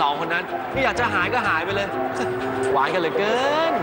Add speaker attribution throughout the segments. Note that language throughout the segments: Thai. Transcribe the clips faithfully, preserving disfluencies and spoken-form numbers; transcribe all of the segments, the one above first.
Speaker 1: สองคนนั้นไม่อยากจะหายก็หายไปเลยหวานกันเหลือเกิน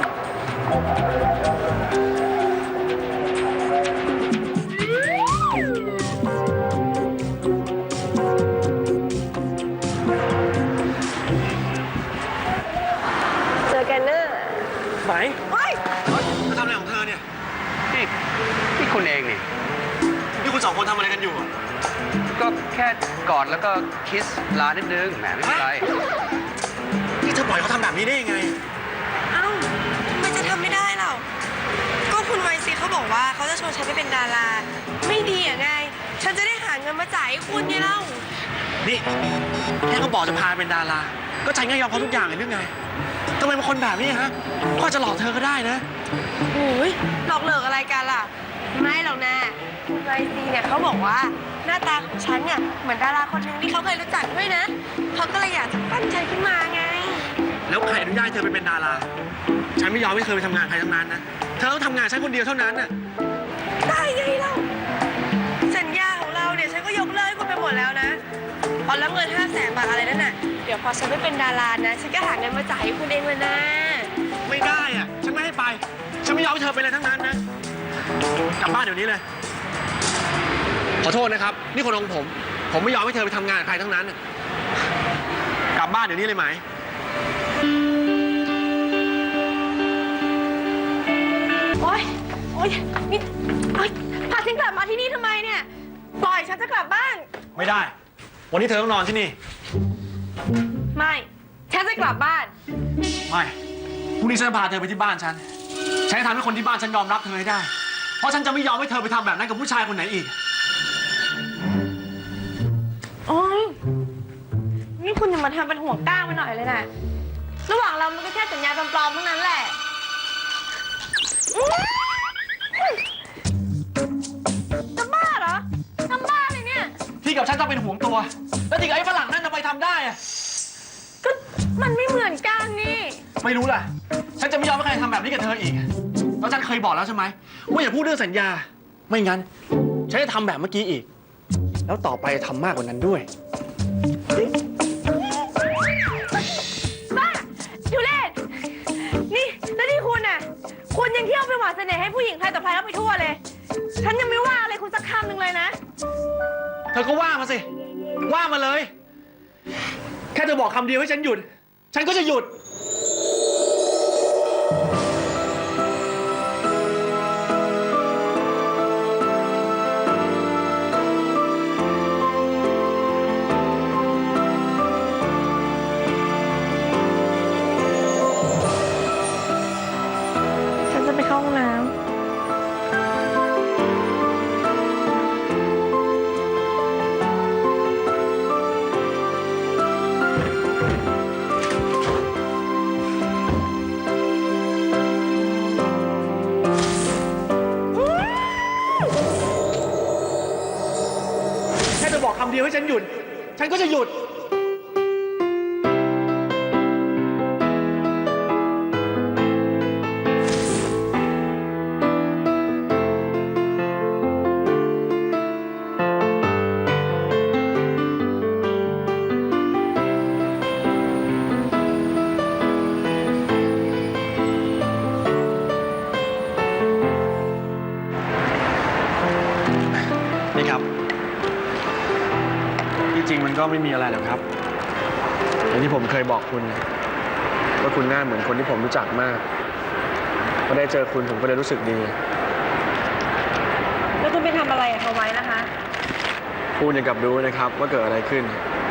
Speaker 2: เจอกันเนอะ
Speaker 1: ไหน
Speaker 2: เฮ้ย
Speaker 1: มาทำอะไรของเธอเนี่ย
Speaker 3: นี่นี่คุณเองนี่
Speaker 1: นี่คุณสองคนทำอะไรกันอยู่
Speaker 3: ก็แค่กอดแล้วก็คิสลานิดนึงแหมไม่เป็นไร
Speaker 1: นี่เธอปล่อยเขาทำแบบนี้ได้ยังไง
Speaker 2: เอ้ามันจะทำไม่ได้หรอก็คุณไวซีเขาบอกว่าเขาจะชวนฉันไปเป็นดาราไม่ดีอ่ะไงฉันจะได้หาเงินมาจ่ายให้คุณไงเล่า
Speaker 1: นี่แค่เขาบอกจะพาเป็นดาราก็ใจง่ายยอมเขาทุกอย่างเลยหรือไงทำไมเป็นคนแบบนี้ฮะก็จะหลอกเธอก็ได้นะ
Speaker 2: โอ้ยหลอกเหลิกอะไรกันล่ะไม่หรอกนะคุณไวซีเนี่ยเขาบอกว่าหน้าตาของฉันเนี่ยเหมือนดาราคนหนึ่งที่เขาเคยรู้จักด้วยนะเขาก็เลยอยากจะปั้นฉันขึ้นมาไง
Speaker 1: แล้วใครอนุญาตเธอไปเป็นดาราฉันไม่ยอมให้เธอไปทำงานใครทั้งนั้นนะเธอต้องทำงานฉันคนเดียวเท่านั้นน่ะ
Speaker 2: ได้ไงเล่าสัญญาของเราเนี่ยฉันก็ยกเลิกคุณไปหมดแล้วนะพอแล้วเงินห้าแสนบาทอะไรนั่นน่ะเดี๋ยวพอฉันไม่เป็นดารานะฉันก็หาเงินมาจ่ายให้คุณเองเลยนะ
Speaker 1: ไม่ได้อ่ะฉันไม่ให้ไปฉันไม่ยอมให้เธอไปเลยทั้งนั้นนะกลับบ้านเดี๋ยวนี้เลยขอโทษนะครับนี่คนของผมผมไม่ยอมให้เธอไปทำงานใครทั้งนั้นกลับบ้านเดี๋ยวนี้เลยไหม
Speaker 2: โอ๊ยโอ๊ยนี่โอ๊ยพาฉันกลับมาที่นี่ทำไมเนี่ยปล่อยฉันจะกลับบ้าน
Speaker 1: ไม่ได้วันนี้เธอต้องนอนที่นี่
Speaker 2: ไม่ฉันจะกลับบ้าน
Speaker 1: ไม่พรุ่งนี้ฉันจะพาเธอไปที่บ้านฉันฉันจะทำให้คนที่บ้านฉันยอมรับเธอให้ได้เพราะฉันจะไม่ยอมให้เธอไปทำแบบนั้นกับผู้ชายคนไหนอีก
Speaker 2: โอ๊ยนี่คุณอย่ามาทำเป็นห่วงก้างไปหน่อยเลยนะระหว่างเรามันก็แค่สัญญาปลอมๆเท่านั้นแหละจะบ้าเหรอทำบ้าเลยเนี่ย
Speaker 1: ที่กับฉันจะเป็นห่วงตัวแล้วที่กับไอ้ฝรั่งนั่นจะไปทำได้อะ
Speaker 2: ก็มันไม่เหมือนกันนี่
Speaker 1: ไม่รู้ล่ะฉันจะไม่ยอมให้ใครทำแบบนี้กับเธออีกแล้วฉันเคยบอกแล้วใช่ไหมว่าอย่าพูดเรื่องสัญญาไม่งั้นฉันจะทำแบบเมื่อกี้อีกแล้วต่อไปทำมากกว่านั้นด้วย
Speaker 2: บ้าอยู่เล่นนี่แล้วนี่คุณน่ะคุณยังเที่ยวไปหวานเสน่ห์ให้ผู้หญิงใครต่อใครแล้วไปทั่วเลยฉันยังไม่ว่าอะไรคุณสักคำหนึ่งเลยนะ
Speaker 1: เธอก็ว่ามาสิว่ามาเลยแค่เธอบอกคำเดียวให้ฉันหยุดฉันก็จะหยุด
Speaker 2: ฉันจะไปเข้าห้องน้ำ
Speaker 1: บอกคำเดียวให้ฉันหยุดฉันก็จะหยุดนี่ครับจริงมันก็ไม่มีอะไรหรอกครับอย่างที่ผมเคยบอกคุณว่าคุณหน้าเหมือนคนที่ผมรู้จักมากพอได้เจอคุณผมก็เลยรู้สึกดี
Speaker 2: แล้วคุณไปทำอะไรกับเขาไว้นะคะ
Speaker 1: พูดอย่างกับรู้นะครับว่าเกิดอะไรขึ้น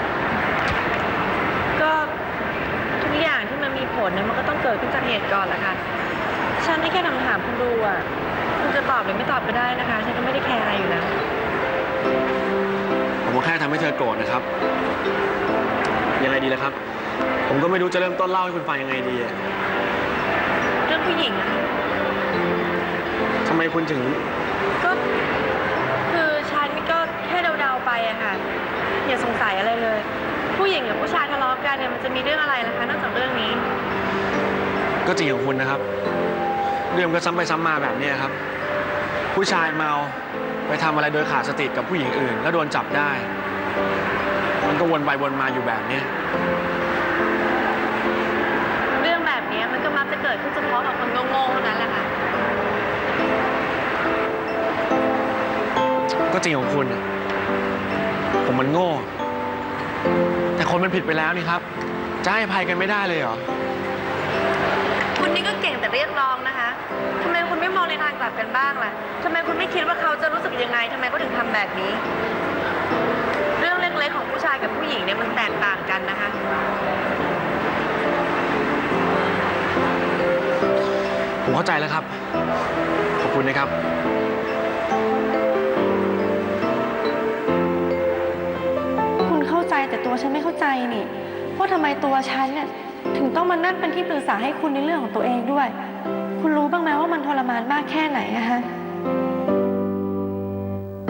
Speaker 2: ก็ทุกอย่างที่มันมีผลเนี่ยมันก็ต้องเกิดขึ้นจากเหตุก่อนแหละค่ะฉันแค่ถามถามคุณดูอ่ะคุณจะตอบหรือไม่ตอบก็ได้นะคะฉันก็ไม่ได้แคร์อะไรอยู่แล้ว
Speaker 1: ผมก็แค่ทำให้เธอโกรธนะครับยังไงดีล่ะครับผมก็ไม่รู้จะเริ่มต้นเล่าให้คุณฟังยังไงดี
Speaker 2: เรื่องผู้หญิงอะ
Speaker 1: ทำไมคุณถึง
Speaker 2: ก็คือฉันก็แค่เดาๆไปอะค่ะอย่าสงสัยอะไรเลยผู้หญิงกับผู้ชายทะเลาะกันเนี่ยมันจะมีเรื่องอะไรล่ะคะนอกจากเรื่องนี้
Speaker 1: ก็จริงของคุณนะครับเรื่องก็ซ้ำไปซ้ำมาแบบนี้ครับผู้ชายเมาไปทำอะไรโดยขาดสติกับผู้หญิงอื่นแล้วโดนจับได้มันก็วนไปวนมาอยู่แบบนี้
Speaker 2: เรื่องแบบนี้มันก็มักจะเกิดขึ้นเฉพาะกับคนโง่ๆเท่านั้นแหละค่ะ
Speaker 1: ก็จริงของคุณอะผมมันโง่ แต่คนมันผิดไปแล้วนี่ครับ จะให้อภัยกันไม่ได้เลยเหรอ
Speaker 2: คุณนี่ก็เก่งแต่เรียกร้องนะคะทำไมคุณไม่มองในทางกลับกันบ้างล่ะทำไมคุณไม่คิดว่าเขาจะรู้สึกยังไงทำไมเขาถึงทำแบบนี้ เรื่องเล็กๆของผู้ชายกับผู้หญิงเนี่ยมันแตกต่างกันนะคะ
Speaker 1: ผมเข้าใจแล้วครับ ขอบคุณนะครับ
Speaker 4: คุณเข้าใจแต่ตัวฉันไม่เข้าใจนี่ว่าทำไมตัวฉันเนี่ยถึงต้องมานั่งเป็นที่ปรึกษาให้คุณในเรื่องของตัวเองด้วย คุณรู้บ้างไหมว่ามันทรมานมากแค่ไหนอะฮะ